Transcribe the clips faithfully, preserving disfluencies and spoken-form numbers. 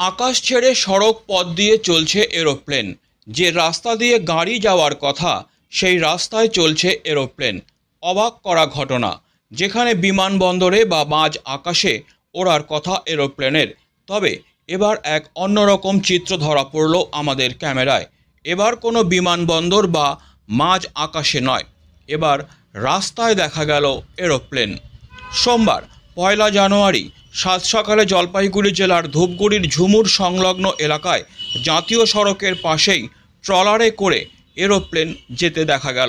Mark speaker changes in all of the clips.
Speaker 1: আকাশ ছেড়ে সড়ক পথ দিয়ে চলছে এরোপ্লেন। যে রাস্তা দিয়ে গাড়ি যাওয়ার কথা সেই রাস্তায় চলছে এরোপ্লেন। অবাক করা ঘটনা, যেখানে বিমানবন্দরে বা মাঝ আকাশে ওড়ার কথা এরোপ্লেনের, তবে এবার এক অন্যরকম চিত্র ধরা পড়ল আমাদের ক্যামেরায়। এবার কোনো বিমানবন্দর বা মাঝ আকাশে নয়, এবার রাস্তায় দেখা গেল এরোপ্লেন। সোমবার পয়লা জানুয়ারি সাত সকালে জলপাইগুড়ি জেলার ধূপগুড়ির ঝুমুর সংলগ্ন এলাকায় জাতীয় সড়কের পাশেই ট্রলারে করে এরোপ্লেন যেতে দেখা গেল।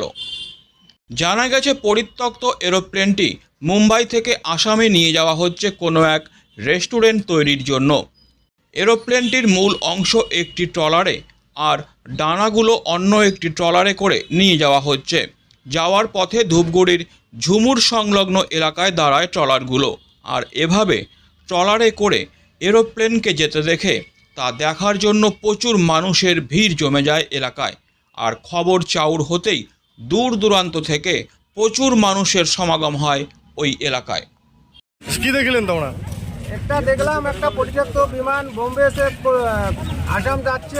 Speaker 1: জানা গেছে পরিত্যক্ত এরোপ্লেনটি মুম্বাই থেকে আসামে নিয়ে যাওয়া হচ্ছে কোনো এক রেস্টুরেন্ট তৈরির জন্য। এরোপ্লেনটির মূল অংশ একটি ট্রলারে আর ডানাগুলো অন্য একটি ট্রলারে করে নিয়ে যাওয়া হচ্ছে। যাওয়ার পথে ধূপগুড়ির ঝুমুর সংলগ্ন এলাকায় দাঁড়ায় ট্রলারগুলো, আর এভাবে ট্রলারে করে এরোপ্লেনকে যেতে দেখে তা দেখার জন্য প্রচুর মানুষের ভিড় জমে যায় এলাকায়। আর খবর চাউর হতেই দূর দূরান্ত থেকে প্রচুর মানুষের সমাগম হয় ওই এলাকায়।
Speaker 2: কি দেখলেন তোমরা?
Speaker 3: একটা দেখলাম একটা পরিত্যক্ত বিমান বোম্বে সে আসাম যাচ্ছে।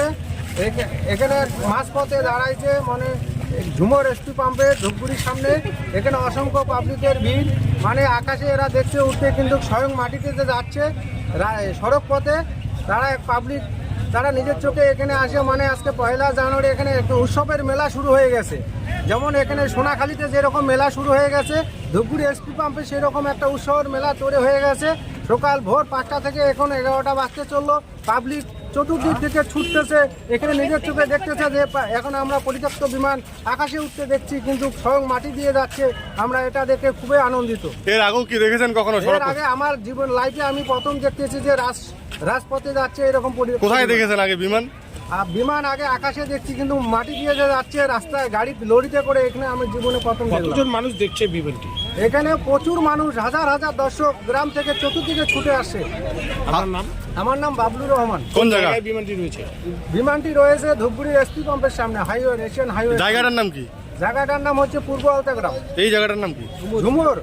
Speaker 3: এখানে মাঝপথে দাঁড়াইছে, মানে ঝুমুর এসপি পাম্পে ধূপগুড়ির সামনে। এখানে অসংখ্য পাবলিকের ভিড়, মানে আকাশে এরা দেখছে উঠতে, কিন্তু স্বয়ং মাটিতে যে যাচ্ছে সড়ক পথে তারা পাবলিক তারা নিজের চোখে এখানে আসে। মানে আজকে পয়লা জানুয়ারি এখানে একটা উৎসবের মেলা শুরু হয়ে গেছে। যেমন এখানে সোনাখালীতে যেরকম মেলা শুরু হয়ে গেছে, ধূপগুড়ি এসপি পাম্পে সেরকম একটা উৎসবের মেলা তৈরি হয়ে গেছে। সকাল ভোর পাঁচটা থেকে এখন এগারোটা বাজতে চললো। পাবলিক চতুর্দিক থেকে ছুটতেছে, এখানে নিজের চোখে দেখতেছে যে এখন আমরা পরিত্যক্ত বিমান আকাশে উঠতে দেখছি, কিন্তু স্বয়ং মাটি দিয়ে যাচ্ছে। আমরা এটা দেখে খুবই আনন্দিত।
Speaker 2: এর আগেও কি দেখেছেন কখনো?
Speaker 3: এর আগে আমার জীবন লাইফে আমি প্রথম দেখতেছি যে রাজ রাজপথে যাচ্ছে এরকম।
Speaker 2: কোথায় দেখেছেন আগে বিমান?
Speaker 3: বিমান আগে আকাশে দেখছি, কিন্তু মাটি দিয়ে যে যাচ্ছে রাস্তায় গাড়ি লরিতে করে, এখানে আমি জীবনে প্রথম দেখলাম।
Speaker 4: কতজন মানুষ দেখছে বিমানটি?
Speaker 3: এখানে প্রচুর মানুষ, হাজার হাজার দর্শক গ্রাম থেকে চতুর্দিকে ছুটে আসছে।
Speaker 4: আমার নাম
Speaker 3: আমার নাম বাবলুর রহমান।
Speaker 2: কোন জায়গায়
Speaker 4: বিমানটি রয়েছে?
Speaker 3: বিমানটি রয়েছে ধূপগুড়ি এসপি পাম্পের সামনে, হাইওয়ে এশিয়ান হাইওয়ে।
Speaker 2: জায়গাটার নাম কি?
Speaker 3: জায়গাটার নাম হচ্ছে পূর্ব আলতা গ্রাম।
Speaker 2: এই জায়গাটার নাম কি?
Speaker 3: ঝুমুর।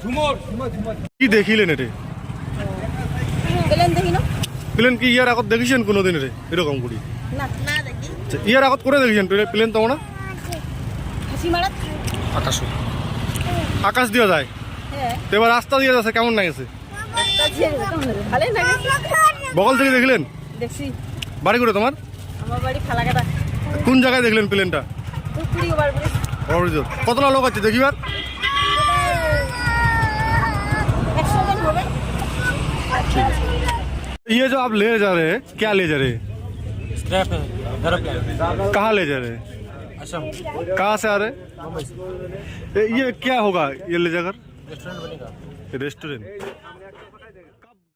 Speaker 2: কি দেখিলেন এটা?
Speaker 5: প্লেন দেখি না।
Speaker 2: প্লেন কি ইয়ার আগত দেখিছেন কোনোদিন রে এরকম করি?
Speaker 5: না না দেখি।
Speaker 2: ইয়ার আগত করে দেখিছেন প্লেন তোমরা?
Speaker 5: হাসি মারাত।
Speaker 2: আকাশ আকাশ দিয়ে যায়,
Speaker 5: হ্যাঁ।
Speaker 2: তো এবার রাস্তা দিয়ে যাচ্ছে, কেমন লাগছে?
Speaker 5: একটা ঝিয়ে ভালোই লাগে।
Speaker 2: বগল থেকে দেখলেন?
Speaker 5: দেখছি।
Speaker 2: বাড়ি করে তোমার?
Speaker 5: আমার বাড়ি ফালাকাটা।
Speaker 2: কোন জায়গায় দেখলেন প্লেনটা?
Speaker 5: ধূপগুড়ি ওভারব্রিজ।
Speaker 2: ওভারব্রিজ। কতটা লোক আছে দেখিবার?
Speaker 5: একশো জন হবে।
Speaker 2: ये जो आप ले जा रहे हैं, क्या ले जा रहे हैं?
Speaker 4: स्क्रैप है एरोप्लेन।
Speaker 2: कहाँ ले जा रहे हैं?
Speaker 4: असम।
Speaker 2: कहाँ से आ रहे हैं?
Speaker 4: मुंबई से।
Speaker 2: ये क्या होगा ये ले जाकर?
Speaker 4: रेस्टोरेंट बनेगा।
Speaker 2: रेस्टोरेंट।